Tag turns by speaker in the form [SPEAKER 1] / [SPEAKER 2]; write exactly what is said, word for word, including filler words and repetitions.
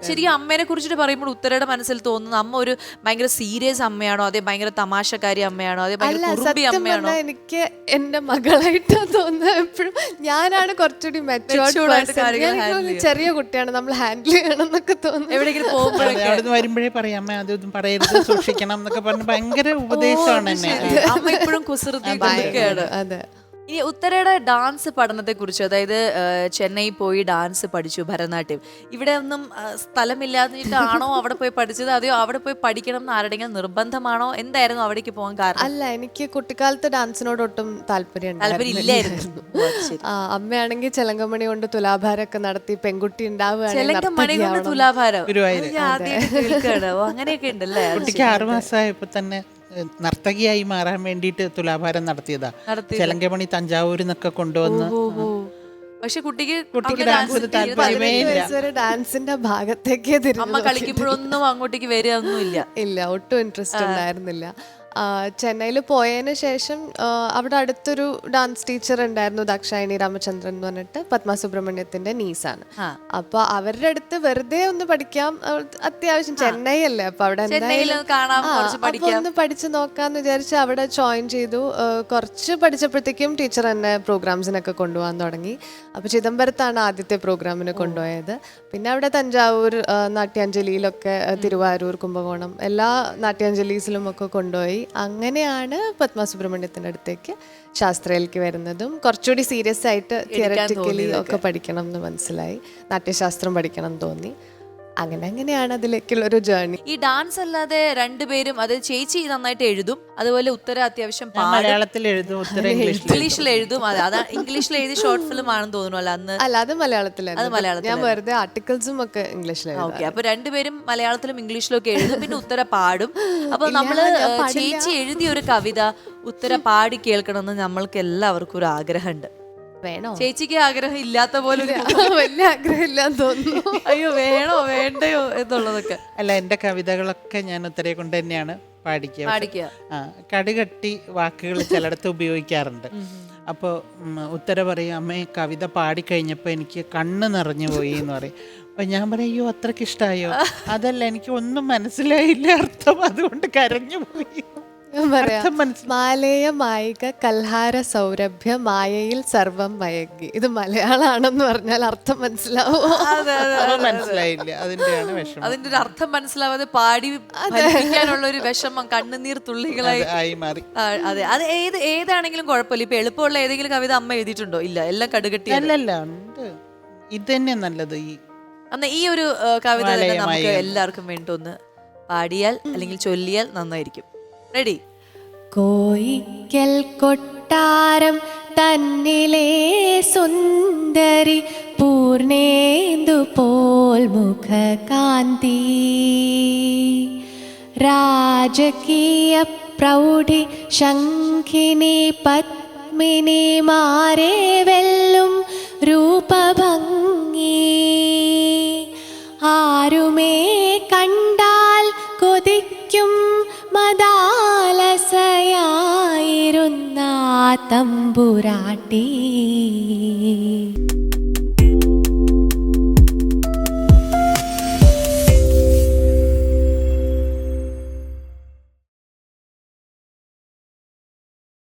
[SPEAKER 1] ശരിക്കും അമ്മേനെ കുറിച്ചിട്ട് പറയുമ്പോൾ ഉത്തരയുടെ മനസ്സിൽ തോന്നുന്നു അമ്മ ഒരു ഭയങ്കര സീരിയസ് അമ്മയാണോ, അതേ ഭയങ്കര തമാശക്കാരി അമ്മയാണോ, അതേ ഭയങ്കര കുറുമ്പി അമ്മയാണോ?
[SPEAKER 2] എനിക്ക് എന്റെ മകളായിട്ടാ തോന്നുന്നത് എപ്പോഴും. ഞാനാണ് കുറച്ചുകൂടി മെച്ചൂർഡ്, ചെറിയ കുട്ടിയാണ്, നമ്മൾ ഹാൻഡിൽ ചെയ്യണം എന്നൊക്കെ തോന്നുന്നു.
[SPEAKER 1] എവിടെയെങ്കിലും പോകുമ്പോഴൊക്കെ
[SPEAKER 3] അവിടെ നിന്ന് വരുമ്പോഴേ പറയാം അമ്മ അതൊന്നും പറയരുത്, സൂക്ഷിക്കണം എന്നൊക്കെ പറഞ്ഞ് ഭയങ്കര ഉപദേശമാണ് എന്നെ.
[SPEAKER 1] അമ്മ ഇപ്പോഴും കുസൃതി.
[SPEAKER 2] അതെ.
[SPEAKER 1] ഇനി ഉത്തരയുടെ ഡാൻസ് പഠനത്തെ കുറിച്ച്, അതായത് ചെന്നൈ പോയി ഡാൻസ് പഠിച്ചു, ഭരതനാട്യം. ഇവിടെ ഒന്നും സ്ഥലമില്ലാതിട്ടാണോ അവിടെ പോയി പഠിച്ചത്, അതെയോ അവിടെ പോയി പഠിക്കണം എന്ന് ആരുടെങ്കിലും നിർബന്ധമാണോ? എന്തായിരുന്നു അവിടേക്ക് പോകാൻ കാരണം?
[SPEAKER 2] അല്ല, എനിക്ക് കുട്ടിക്കാലത്ത് ഡാൻസിനോട് ഒട്ടും താല്പര്യം
[SPEAKER 1] താല്പര്യമില്ലായിരുന്നു.
[SPEAKER 2] അമ്മയാണെങ്കിൽ ചെലങ്കമണി കൊണ്ട് തുലാഭാരമൊക്കെ നടത്തി പെൺകുട്ടി
[SPEAKER 1] ചെലങ്കമണി കൊണ്ട് തുലാഭാരം അങ്ങനെയൊക്കെ ഉണ്ടല്ലേ?
[SPEAKER 3] കുട്ടിക്ക് ആറു മാസമായപ്പോ തന്നെ നർത്തകിയായി മാറാൻ വേണ്ടിട്ട് തുലാഭാരം നടത്തിയതാ. ചെലങ്കമണി തഞ്ചാവൂരിൽ നിന്നൊക്കെ കൊണ്ടുവന്ന്.
[SPEAKER 1] പക്ഷെ കുട്ടിക്ക്
[SPEAKER 3] കുട്ടിക്ക് ഡാൻസിന് താല്പര്യമേ ഇല്ല.
[SPEAKER 2] ഡാൻസിന്റെ ഭാഗത്തേക്ക്
[SPEAKER 1] അമ്മ കളിക്കുമ്പോഴൊന്നും അങ്ങോട്ടേക്ക് വരിക ഒന്നുമില്ല.
[SPEAKER 2] ഇല്ല, ഒട്ടും ഇൻട്രസ്റ്റ് ഉണ്ടായിരുന്നില്ല. ചെന്നൈയിൽ പോയതിന് ശേഷം അവിടെ അടുത്തൊരു ഡാൻസ് ടീച്ചർ ഉണ്ടായിരുന്നു, ദാക്ഷായണി രാമചന്ദ്രൻ എന്ന് പറഞ്ഞിട്ട്, പത്മ സുബ്രഹ്മണ്യത്തിന്റെ നീസാണ്. അപ്പൊ അവരുടെ അടുത്ത് വെറുതെ ഒന്ന് പഠിക്കാം, അത്യാവശ്യം ചെന്നൈ അല്ലേ, അപ്പൊ അവിടെ ഒന്ന് പഠിച്ചു നോക്കാന്ന് വിചാരിച്ച് അവിടെ ജോയിൻ ചെയ്തു. കുറച്ച് പഠിച്ചപ്പോഴത്തേക്കും ടീച്ചർ എന്നെ പ്രോഗ്രാംസിനൊക്കെ കൊണ്ടുപോകാൻ തുടങ്ങി. അപ്പൊ ചിദംബരത്താണ് ആദ്യത്തെ പ്രോഗ്രാമിന് കൊണ്ടുപോയത്. പിന്നെ അവിടെ തഞ്ചാവൂർ നാട്യാഞ്ജലിയിലൊക്കെ, തിരുവാരൂർ, കുംഭകോണം എല്ലാ നാട്യാഞ്ജലീസിലും ഒക്കെ കൊണ്ടുപോയി. അങ്ങനെയാണ് പത്മ സുബ്രഹ്മണ്യത്തിന്റെ അടുത്തേക്ക് ശാസ്ത്രയിലേക്ക് വരുന്നതും കുറച്ചുകൂടി സീരിയസ് ആയിട്ട് തിയററ്റിക്കലി ഒക്കെ പഠിക്കണം എന്ന് മനസ്സിലായി. നാട്യശാസ്ത്രം പഠിക്കണം തോന്നി. അങ്ങനെ അങ്ങനെയാണ് അതിലേക്കുള്ള ഒരു ജേർണി.
[SPEAKER 1] ഈ ഡാൻസ് അല്ലാതെ രണ്ടുപേരും, അത് ചേച്ചി നന്നായിട്ട് എഴുതും, അതുപോലെ ഉത്തര അത്യാവശ്യം
[SPEAKER 3] മലയാളത്തിൽ എഴുതും, ഉത്തര
[SPEAKER 1] ഇംഗ്ലീഷിൽ എഴുതും. അതെ, അതാ ഇംഗ്ലീഷിൽ എഴുതി ഷോർട്ട് ഫിലിം ആണെന്ന് തോന്നുന്നു അല്ല അന്ന്?
[SPEAKER 2] അല്ല, അത് മലയാളത്തിലായിരുന്നു. ഞാൻ വെറുതെ ആർട്ടിക്കിൾസും ഒക്കെ ഇംഗ്ലീഷിലായിരുന്നു.
[SPEAKER 1] ഓക്കെ, അപ്പൊ രണ്ടുപേരും മലയാളത്തിലും ഇംഗ്ലീഷിലും ഒക്കെ എഴുതും, പിന്നെ ഉത്തര പാടും. അപ്പൊ നമ്മള് ചേച്ചി എഴുതിയ ഒരു കവിത ഉത്തര പാടി കേൾക്കണമെന്ന് നമ്മൾക്ക് എല്ലാവർക്കും ഒരു ആഗ്രഹമുണ്ട്.
[SPEAKER 2] വേണോ?
[SPEAKER 1] ചേച്ചിക്ക് ആഗ്രഹം ഇല്ലാത്ത പോലെ
[SPEAKER 2] വലിയ ആഗ്രഹം ഇല്ലാന്ന് തോന്നുന്നു.
[SPEAKER 1] അയ്യോ, വേണോ വേണ്ടയോ എന്നുള്ളതൊക്കെ.
[SPEAKER 3] അല്ല, എന്റെ കവിതകളൊക്കെ ഞാൻ ഉത്തരയെ കൊണ്ട് തന്നെയാണ് പാടിക്കുക.
[SPEAKER 1] പാടിക്കുക
[SPEAKER 3] ആ കടുകട്ടി വാക്കുകൾ ചിലയിടത്ത് ഉപയോഗിക്കാറുണ്ട്. അപ്പോൾ ഉത്തര പറയും, അമ്മയെ കവിത പാടിക്കഴിഞ്ഞപ്പോൾ എനിക്ക് കണ്ണ് നിറഞ്ഞു പോയി എന്ന് പറയും. അപ്പം ഞാൻ പറയും, അയ്യോ അത്രയ്ക്ക് ഇഷ്ടമായോ? അതല്ല, എനിക്ക് ഒന്നും മനസ്സിലായില്ല അർത്ഥം, അതുകൊണ്ട് കരഞ്ഞു പോയി.
[SPEAKER 2] മാലേയ മായിക കൽഹാര സൗരഭ്യ മായയിൽ സർവം മയങ്ങി. ഇത് മലയാളാണെന്ന് പറഞ്ഞാൽ അർത്ഥം മനസ്സിലാവോ?
[SPEAKER 3] മനസ്സിലായില്ല, അതിന്റെയാണ് വിഷമം.
[SPEAKER 1] അതിന്റെ ഒരു അർത്ഥം മനസ്സിലാവാതെ പാടി ഫലിപ്പിക്കാനുള്ള ഒരു വിഷമം കണ്ണുനീർ തുള്ളികളായി
[SPEAKER 3] ആയി മാറി.
[SPEAKER 1] അതെ, അത് ഏത് ഏതാണെങ്കിലും കുഴപ്പമില്ല. ഇപ്പൊ എളുപ്പമുള്ള ഏതെങ്കിലും കവിത അമ്മ എഴുതിയിട്ടുണ്ടോ? ഇല്ല, എല്ലാം കടുകട്ടി.
[SPEAKER 3] അല്ലല്ല, ഉണ്ട്. ഇത് തന്നെ നല്ലത്. ഈ
[SPEAKER 1] അന്ന് ഈ ഒരു കവിത തന്നെ നമുക്ക് എല്ലാവർക്കും വേണ്ടി ഒന്ന് പാടിയാൽ അല്ലെങ്കിൽ ചൊല്ലിയാൽ നന്നായിരിക്കും. റെഡി?
[SPEAKER 2] കോയിക്കൽ കൊട്ടാരം തന്നിലേ സുന്ദരി പൂർണേന്ദു പോൽ മുഖകാന്തി രാജകീയ പ്രൗഢി ശംഖിനി പത്മിനി മാരേ വെല്ലും രൂപഭംഗി ആരുമേ കണ്ടാൽ കൊതിക്കും മദാലസയായിരുന്ന തമ്പുരാട്ടി.